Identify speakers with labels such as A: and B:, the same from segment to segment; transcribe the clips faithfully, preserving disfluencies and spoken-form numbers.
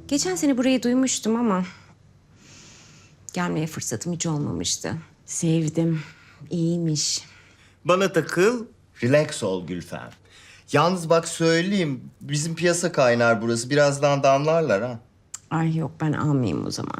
A: Geçen sene burayı duymuştum ama gelmeye fırsatım hiç olmamıştı. Sevdim. İyiymiş.
B: Bana takıl, relax ol Gülfem. Yalnız bak söyleyeyim, bizim piyasa kaynar burası. Birazdan damlarlar ha.
A: Ay yok, ben almayayım o zaman.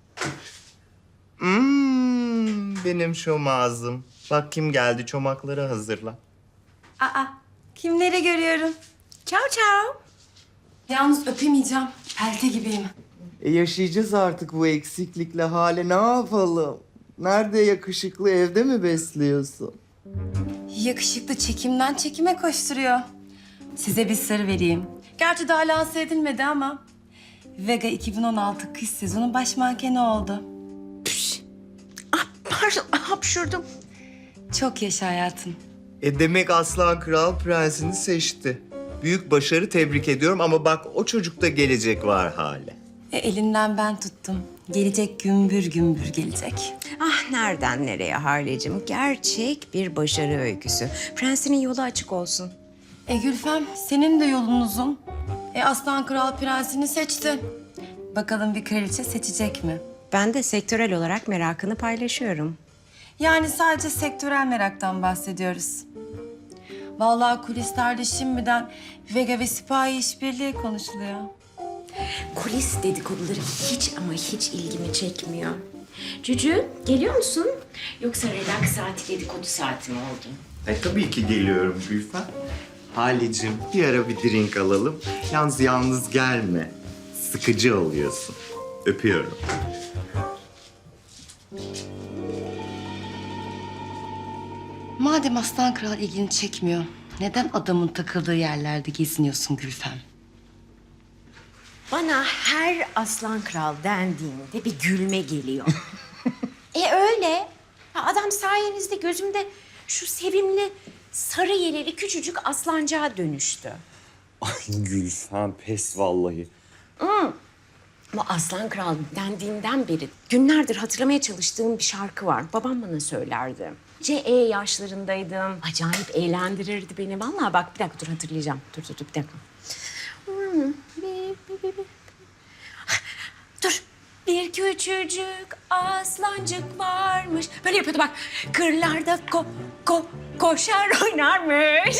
B: Hmm, benim şomazım. Bak kim geldi, çomakları hazırla.
C: Aa, kimleri görüyorum? Ciao ciao. Yalnız öpemeyeceğim. Pelte gibiyim.
B: E yaşayacağız artık bu eksiklikle hale. Ne yapalım? Nerede yakışıklı, evde mi besliyorsun?
C: Yakışıklı çekimden çekime koşturuyor. Size bir sır vereyim. Gerçi daha lanse edilmedi ama... Vega iki bin on altı kış sezonu baş mankeni oldu.
A: Ah pardon, hapşurdum.
C: Çok yaşa hayatım.
B: E demek Aslan Kral prensini seçti. Büyük başarı, tebrik ediyorum ama bak o çocukta gelecek var hale.
C: E, elinden ben tuttum. Gelecek gümbür gümbür gelecek.
A: Ah nereden nereye Harlecığım? Gerçek bir başarı öyküsü. Prensinin yolu açık olsun.
C: E Gülfem, senin de yolun uzun. E Aslan Kral prensini seçti. Bakalım bir kraliçe seçecek mi?
A: Ben de sektörel olarak merakını paylaşıyorum.
C: Yani sadece sektörel meraktan bahsediyoruz. Vallahi kulislerde şimdiden Vega ve Sipahi işbirliği konuşuluyor.
A: Kulis dedikoduları hiç ama hiç ilgimi çekmiyor. Cücü, geliyor musun? Yoksa relax saati dedikodu saati mi oldu?
B: E tabii ki geliyorum Gülfem. Halicim bir ara bir drink alalım. Yalnız yalnız gelme. Sıkıcı oluyorsun. Öpüyorum.
C: Madem Aslan Kral ilgini çekmiyor, neden adamın takıldığı yerlerde geziniyorsun Gülfem?
A: Bana her aslan kral dendiğinde bir gülme geliyor. e öyle. Ha, adam sayenizde gözümde şu sevimli sarı yeleli küçücük aslancığa dönüştü.
B: Ay Gülfem pes vallahi.
A: Bu aslan kral dendiğinden beri günlerdir hatırlamaya çalıştığım bir şarkı var. Babam bana söylerdi. C E yaşlarındaydım. Acayip eğlendirirdi beni. Vallahi bak bir dakika dur hatırlayacağım. Dur dur dur bir dakika. Dur. Bir küçücük aslancık varmış. Böyle yapıyordu bak. Kırlarda ko ko koşar oynarmış.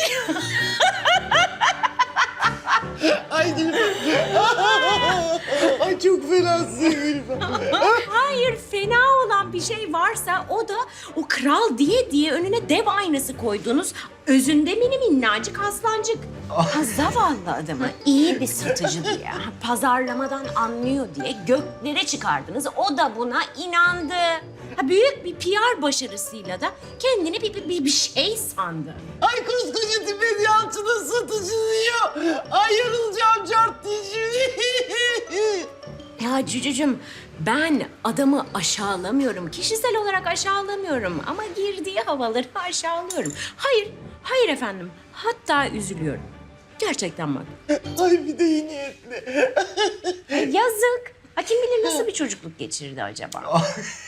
B: Ay Gülfem. Ay çok fenasın Gülfem.
A: Hayır, fena olan bir şey varsa o da o kral diye diye önüne dev aynası koyduğunuz özünde mini minnacık aslancık. Ha, zavallı adamı iyi bir satıcı diye, ha, pazarlamadan anlıyor diye göklere çıkardınız. O da buna inandı. Ha, büyük bir P R başarısıyla da kendini bir, bir, bir şey sandı.
B: Ay koskoca tip yancının satıcı diyor. Ay yarılacağım cart dişimi.
A: Ya Cücücüm, ben adamı aşağılamıyorum. Kişisel olarak aşağılamıyorum ama girdiği havaları aşağılıyorum. Hayır, hayır efendim. Hatta üzülüyorum. Gerçekten bak.
B: Ay bir de iyi niyetli.
A: Yazık. Ha, kim bilir nasıl bir çocukluk geçirdi acaba?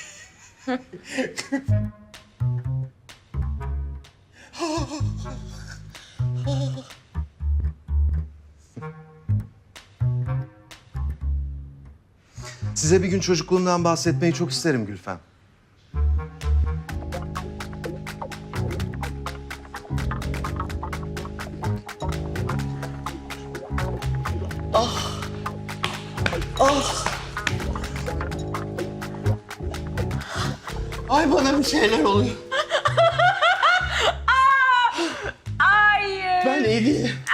D: Size bir gün çocukluğumdan bahsetmeyi çok isterim Gülfem.
B: Ay bana bir şeyler oluyor.
A: Hayır.
B: Ben iyi değilim.